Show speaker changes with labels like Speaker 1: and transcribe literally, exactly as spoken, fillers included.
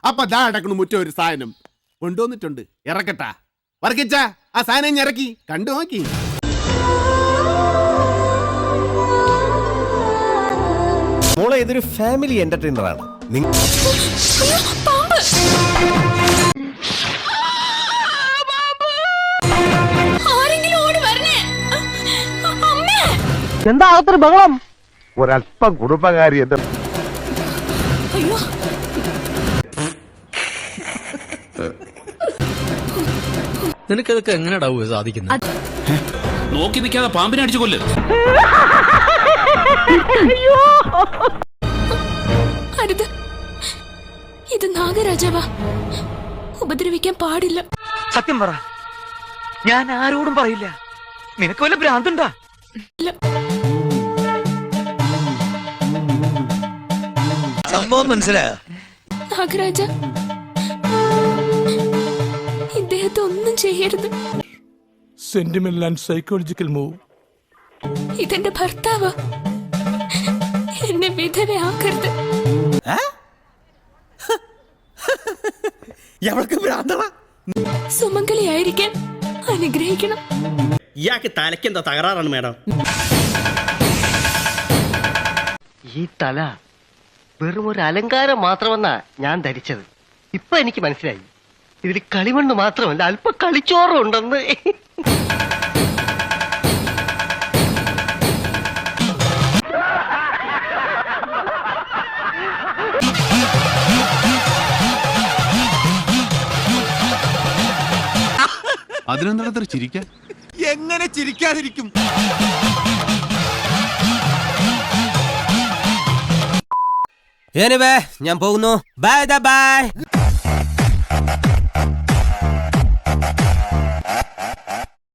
Speaker 1: അപ്പൊ ദാ അടക്കണു മുറ്റ ഒരു സാധനം കൊണ്ടുവന്നിട്ടുണ്ട്. ഇറക്കട്ടാ വർക്കിച്ച ആ സാധനം ഇറക്കി കണ്ടു നോക്കി.
Speaker 2: മോളെ ഇതൊരു ഫാമിലി എന്റർടൈനർ ആണ്.
Speaker 3: എന്താ അകത്തൊരു ബഹളം?
Speaker 4: ഒരല്പം കുടുംബകാരി എന്റെ
Speaker 5: നിനക്കതൊക്കെ എങ്ങനെയാ സാധിക്കുന്നത്?
Speaker 6: നോക്കി നിൽക്കാതെ പാമ്പിനെ അടിച്ചു കൊല്ല്.
Speaker 7: അരുത്, ഇത് നാഗരാജാവാ, ഉപദ്രവിക്കാൻ പാടില്ല.
Speaker 3: സത്യം പറ, ഞാൻ ആരോടും പറയില്ല. നിനക്ക് വല്ല ഭ്രാന്തുണ്ടാ? സംഭവം മനസ്സിലായോ?
Speaker 7: നാഗരാജ, ഇദ്ദേഹത്തെ ഒന്നും ചെയ്യരുത്.
Speaker 8: Sentimental and psychological move.
Speaker 7: ഇതെന്റെ ഭർത്താവാ, എന്നെ വിധവയാക്കരുത്. സുമംഗലിയായിരിക്കാൻ അനുഗ്രഹിക്കണം.
Speaker 5: ഇയാൾക്ക് തലയ്ക്കെന്താ തകരാറാണ് മേഡം?
Speaker 3: ഈ തല വെറും ഒരു അലങ്കാരം മാത്രമെന്നാ ഞാൻ ധരിച്ചത്. ഇപ്പൊ എനിക്ക് മനസ്സിലായി, ഇതിൽ കളിമണ്ണ് മാത്രമല്ല അല്പ കളിച്ചോറും ഉണ്ടെന്ന്.
Speaker 1: അതിനെന്താ ചിരിക്കാൻ?
Speaker 2: എങ്ങനെ ചിരിക്കാതിരിക്കും? ഞാൻ പോകുന്നു. Bye by.